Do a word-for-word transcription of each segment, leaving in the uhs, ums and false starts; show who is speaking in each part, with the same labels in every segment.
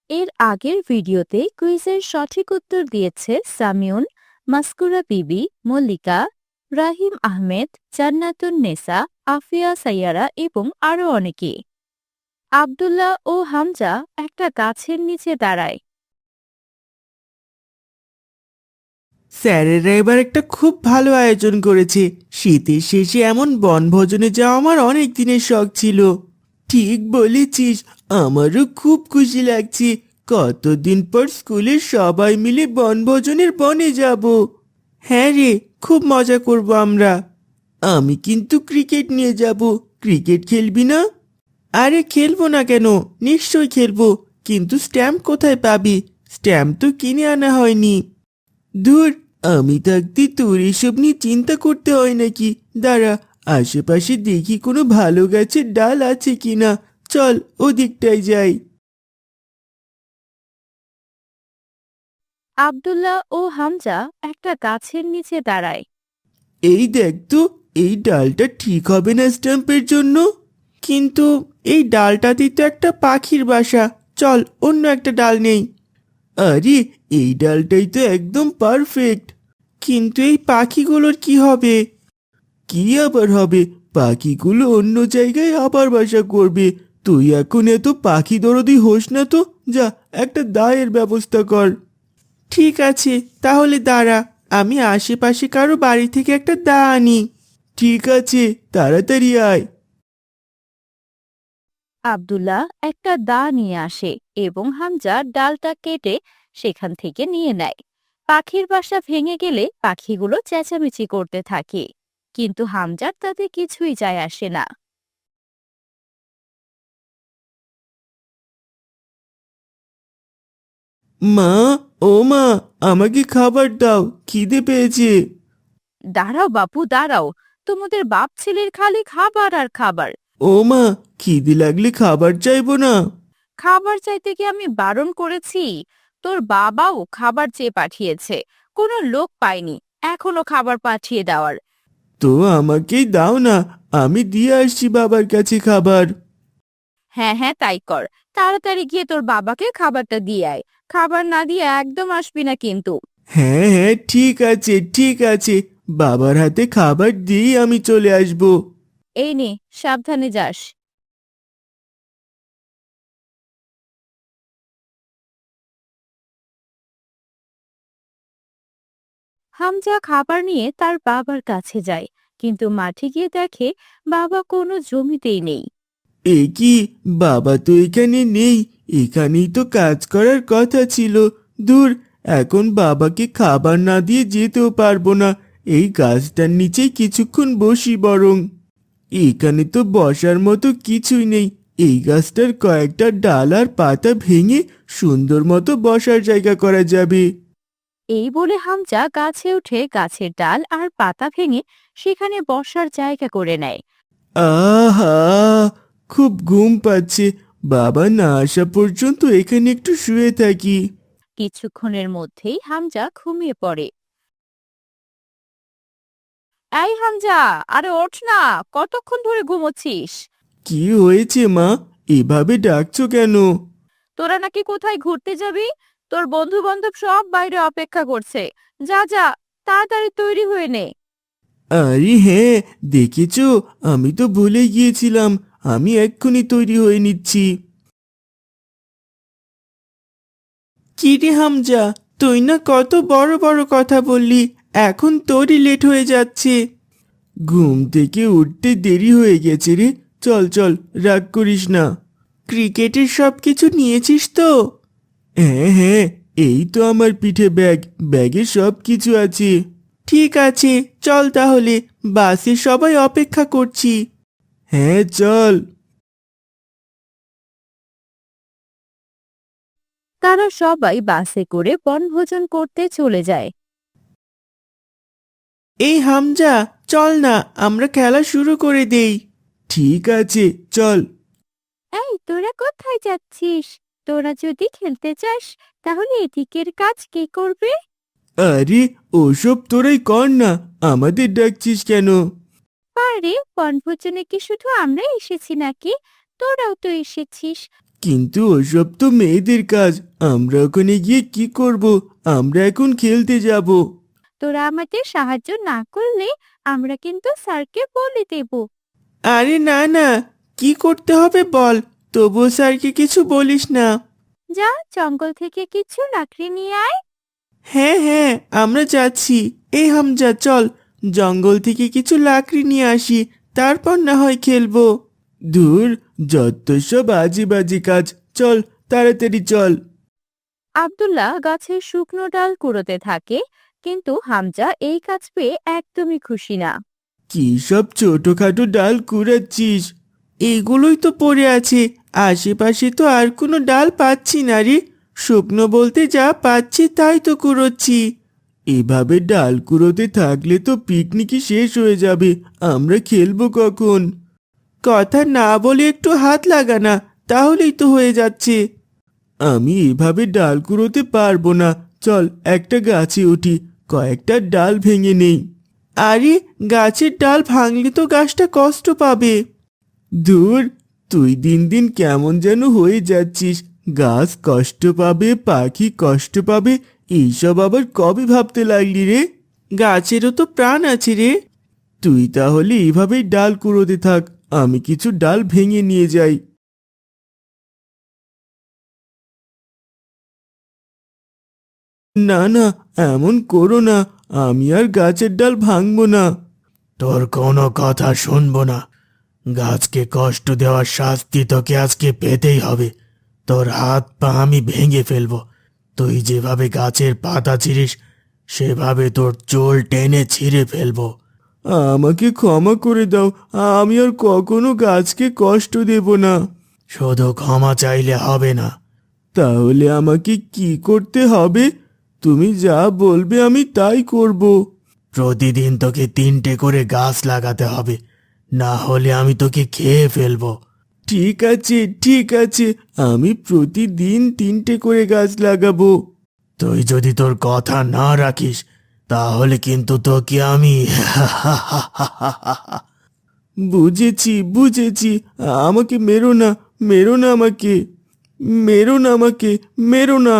Speaker 1: এর আগের ভিডিওতে কুইজের সঠিক উত্তর দিয়েছে সামিউন, মাসকুরা বিবি, মল্লিকা, রাহিম আহমেদ, জান্নাতুন নেসা, আফিয়া সাইয়ারা এবং আরো অনেকে। আব্দুল্লাহ ও হামজা একটা গাছের নিচে দাঁড়ায়।
Speaker 2: স্যারেরা এবার একটা খুব ভালো আয়োজন করেছে। শীতের শেষে এমন বনভোজনে যাওয়া আমার অনেক দিনের শখ ছিল। ঠিক বলেছিস, আমারও খুব খুশি লাগছে। কতদিন পর স্কুলের সবাই মিলে বনভোজনের বনে যাব। হ্যাঁ রে, খুব মজা করব আমরা। আমি কিন্তু ক্রিকেট নিয়ে যাব। ক্রিকেট খেলবি না? আরে খেলবো না কেন, নিশ্চয়ই খেলবো। কিন্তু স্ট্যাম্প কোথায় পাবি? স্ট্যাম্প তো কিনে আনা হয়নি। ধুর, আমি থাকতে তোর এসব নিয়ে চিন্তা করতে হয় নাকি? দাঁড়া, আশেপাশে দেখি কোনো ভালো গাছের ডাল আছে কিনা। চল ওদিকটায় যাই।
Speaker 1: আব্দুল্লাহ ও হামজা একটা গাছের নিচে দাঁড়ায়।
Speaker 2: এই দেখ তো, এই ডালটা ঠিক হবে না স্ট্যাম্পের জন্য। কিন্তু এই ডালটাতেই তো একটা পাখির বাসা। চল অন্য একটা ডাল নেই। আরে, এই ডালটাই তো একদম পারফেক্ট। কিন্তু এই পাখিগুলোর কি হবে? কি আবার হবে? পাখিগুলো অন্য জায়গায় আবার বাসা করবে। তুই এখন এত পাখি দরদি হোস না তো। যা, একটা দায়ের ব্যবস্থা কর। ঠিক আছে, তাহলে দাঁড়া, আমি আশেপাশে কারো বাড়ি থেকে একটা দা আনি। ঠিক আছে, তাড়াতাড়ি আয়।
Speaker 1: আব্দুল্লাহ একটা দা নিয়ে আসে এবং হামজা ডালটা কেটে সেখান থেকে নিয়ে নেয়। পাখির বাসা ভেঙে গেলে পাখিগুলো চেঁচামেচি করতে থাকে, কিন্তু হামজার তাতে কিছুই যায় আসে না।
Speaker 2: মা, ও মা, আমাকে খাবার দাও, খিদে পেয়েছে।
Speaker 1: দাঁড়াও বাপু, দাঁড়াও। তোমাদের বাপ ছেলের খালি খাবার আর খাবার।
Speaker 2: ও মা, খিদে লাগলে খাবার চাইবো না।
Speaker 1: খাবার চাইতে কি আমি বারণ করেছি? তোর বাবাও খাবার চেয়ে পাঠিয়েছে, কোনো লোক পায়নি এখনো খাবার পাঠিয়ে দেওয়ার।
Speaker 2: তো আমাকেই দাও না, আমি দিয়ে আসছি বাবার কাছে খাবার।
Speaker 1: হ্যাঁ হ্যাঁ, তাই কর। তাড়াতাড়ি গিয়ে তোর বাবাকে খাবারটা দিয়ে আয়। খাবার না দিয়ে একদম আসবি না কিন্তু।
Speaker 2: হ্যাঁ হ্যাঁ, ঠিক আছে ঠিক আছে, বাবার হাতে খাবার দিয়েই আমি চলে আসবো।
Speaker 1: এই নে, সাবধানে যাস। হামজা খাবার নিয়ে তার বাবার কাছে যায়, কিন্তু মাঠে গিয়ে দেখে বাবা কোনো জমিতেই নেই।
Speaker 2: এ কি, বাবা তো এখানে নেই। এখানেই তো কাজ করার কথা ছিল। দূর, এখন বাবাকে খাবার না দিয়ে যেতেও পারবো না। এই গাছটার নিচেই কিছুক্ষণ বসি বরং। এখানে তো বসার মতো কিছুই নেই। এই গাছটার কয়েকটা ডাল আর পাতা ভেঙে সুন্দর মতো বসার জায়গা করা যাবে।
Speaker 1: এই বলে হামজা গাছে উঠে গাছের ডাল আর পাতা ভেঙে সেখানে বসার জায়গা করে নেয়।
Speaker 2: আহা, খুব ঘুম পাচ্ছে। বাবা না আসা পর্যন্ত এখানে একটু শুয়ে থাকি।
Speaker 1: কিছুক্ষণের মধ্যেই হামজা ঘুমিয়ে পড়ে। এই হামজা, আরে ওঠ না, কতক্ষণ ধরে ঘুমোচ্ছিস?
Speaker 2: কি হয়েছে মা, এভাবে ডাকছো কেন?
Speaker 1: তোরা নাকি কোথায় ঘুরতে যাবি? তোর বন্ধু বান্ধব সব বাইরে অপেক্ষা করছে। যা যা, তাড়াতাড়ি তৈরি হয়ে নে।
Speaker 2: আরে হ্যাঁ, দেখেছো, আমি তো ভুলে গিয়েছিলাম। আমি এক্ষুনি তৈরি হয়ে নিচ্ছি। কি রে হামজা, তুই না কত বড় বড় কথা বললি, এখন তোরই লেট হয়ে যাচ্ছে। ঘুম থেকে উঠতে দেরি হয়ে গেছে রে। চল চল, রাগ করিস না। ক্রিকেটের সব কিছু নিয়েছিস তো? হ্যাঁ হ্যাঁ, এই তো আমার পিঠে ব্যাগ। ব্যাগে সব কিছু আছে। ঠিক আছে, চল তাহলে, বাসে সবাই অপেক্ষা করছি। হ্যাঁ চল।
Speaker 1: তারা সবাই বাসে করে বনভোজন করতে চলে যায়।
Speaker 2: এই হামজা, চল না, আমরা খেলা শুরু করে দেই। ঠিক আছে, চল।
Speaker 1: এই তোরা কোথায় যাচ্ছিস? তোরা যদি খেলতে চাস তাহলে এদিকের কাজ কে করবে?
Speaker 2: আরে, ওসব তোরাই কর না, আমাদের ডাকছিস কেন?
Speaker 1: আরে, বনভোজনে কি শুধু আমরা এসেছি নাকি? তোরাও তো এসেছিস।
Speaker 2: কিন্তু ওসব তো মেয়েদের কাজ। আমরা ওখানে গিয়ে কি করব? আমরা এখন খেলতে যাব।
Speaker 1: তোরা আমাদের সাহায্য না করলে আমরা কিন্তু স্যারকে বলে দেব।
Speaker 2: আরে না না, কি করতে হবে বল, তবুও স্যারকে কিছু বলিস না।
Speaker 1: যা, জঙ্গল থেকে কিছু লাকড়ি নিয়ে আয়।
Speaker 2: হ্যাঁ হ্যাঁ, আমরা যাচ্ছি। এই হামজা, চল জঙ্গল থেকে কিছু লাকড়ি নিয়ে আসি, তারপর না হয় খেলবো। দূর, যত সব বাজি বাজি কাজ, চল তাড়াতাড়ি চল।
Speaker 1: আব্দুল্লাহ গাছের শুকনো ডাল কুড়োতে থাকে, কিন্তু হামজা এই কাজ পেয়ে একদমই খুশি না।
Speaker 2: কি সব ছোটখাটো ডাল কুড়াচ্ছিস? এগুলোই তো পড়ে আছে, আশেপাশে তো আর কোনো ডাল পাচ্ছি না রে। শুকনো বলতে যা পাচ্ছি তাই তো কুড়োচ্ছি। এভাবে ডাল কুড়োতে থাকলে তো পিকনিকই শেষ হয়ে যাবে, আমরা খেলবো কখন? কথা না বলে একটু হাত লাগা না, তাহলেই তো হয়ে যাচ্ছে। আমি এভাবে ডাল কুড়োতে পারবো না, চল একটা গাছে উঠি, কয়েকটা ডাল ভেঙে নেই। আরে, গাছের ডাল ভাঙলে তো গাছটা কষ্ট পাবে। ধুর, তুই দিন দিন কেমন যেন হয়ে যাচ্ছিস। গাছ কষ্ট পাবে, পাখি কষ্ট পাবে, এইসব আবার কবে ভাবতে লাগলি রে? গাছেরও তো প্রাণ আছে রে। তুই তাহলে এভাবেই ডাল কুড়োতে থাক, আমি কিছু ডাল ভেঙে নিয়ে যাই। না না, এমন করো না, আমি আর গাছের ডাল ভাঙবো না। তোর কোনো কথা শুনবো না। গাছকে কষ্ট দেওয়ার শাস্তি তোকে আজকে পেতেই হবে। তোর হাত পা আমি ভেঙে ফেলবো। তুই যেভাবে গাছের পাতা ছিঁড়িস, সেভাবে তোর চোল টেনে ছিঁড়ে ফেলবো। আমাকে ক্ষমা করে দাও, আমি আর কখনো গাছকে কষ্ট দেব না। শুধু ক্ষমা চাইলে হবে না। তাহলে আমাকে কি করতে হবে? তুমি যা বলবে আমি তাই করব। প্রতিদিন তোকে তিনটে করে গাছ লাগাতে হবে, না হলে আমি তোকে খেয়ে ফেলবো। ঠিক আছে ঠিক আছে, আমি প্রতিদিন তিনটে করে গাছ লাগাবো। তুই যদি তোর কথা না রাখিস, তাহলে কিন্তু তোকে আমি বুঝেছি বুঝেছি, আমাকে মেরো না, মেরো না আমাকে, মেরো না আমাকে, মেরো না।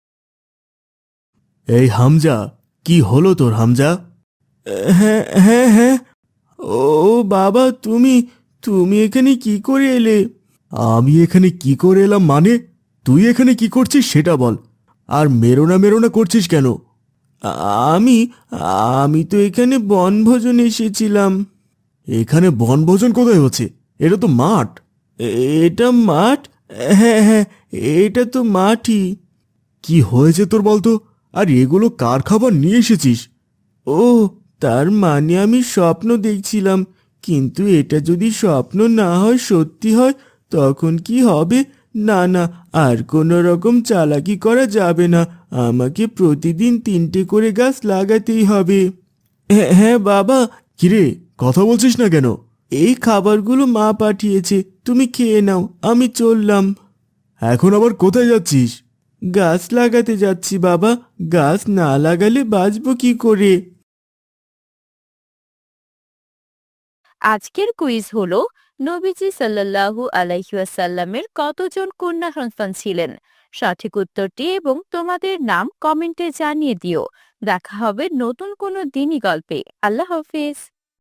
Speaker 2: এই হামজা, কি হলো তোর হামজা? হ্যাঁ হ্যাঁ হ্যাঁ। ও বাবা, তুমি তুমি এখানে কি করে এলে? আমি এখানে কি করে এলাম মানে? তুই এখানে কি করছিস সেটা বল। আর মেরোনা মেরোনা করছিস কেন? আ- আমি আমি তো এখানে বনভোজন এসেছিলাম। এখানে বনভোজন কোথায় হচ্ছে? এটা তো মাঠ। এ- এটা মাঠ? হ্যাঁ হ্যাঁ, এটা তো মাঠই। কি হয়েছে তোর বলতো? আর এগুলো কার খাবার নিয়ে এসেছিস? ও, তার মানে আমি স্বপ্ন দেখছিলাম। কিন্তু এটা যদি স্বপ্ন না হয়, সত্যি হয়, তখন কি হবে? না না, আর কোনো রকম চালাকি করা যাবে না। আমাকে প্রতিদিন তিনটে করে গাছ লাগাতেই হবে। হ্যাঁ হ্যাঁ বাবা। কিরে, কথা বলছিস না কেন? এই খাবারগুলো মা পাঠিয়েছে, তুমি খেয়ে নাও, আমি চললাম। এখন আবার কোথায় যাচ্ছিস? গাছ লাগাতে যাচ্ছি বাবা, গাছ না লাগালে বাঁচবো কি করে?
Speaker 1: আজকের কুইজ হলো, নবীজি সাল্লাল্লাহু আলাইহি ওয়াসাল্লামের কতজন কন্যা সন্তান ছিলেন? সঠিক উত্তরটি এবং তোমাদের নাম কমেন্টে জানিয়ে দিও। দেখা হবে নতুন কোনো দিনই গল্পে। আল্লাহ হাফেজ।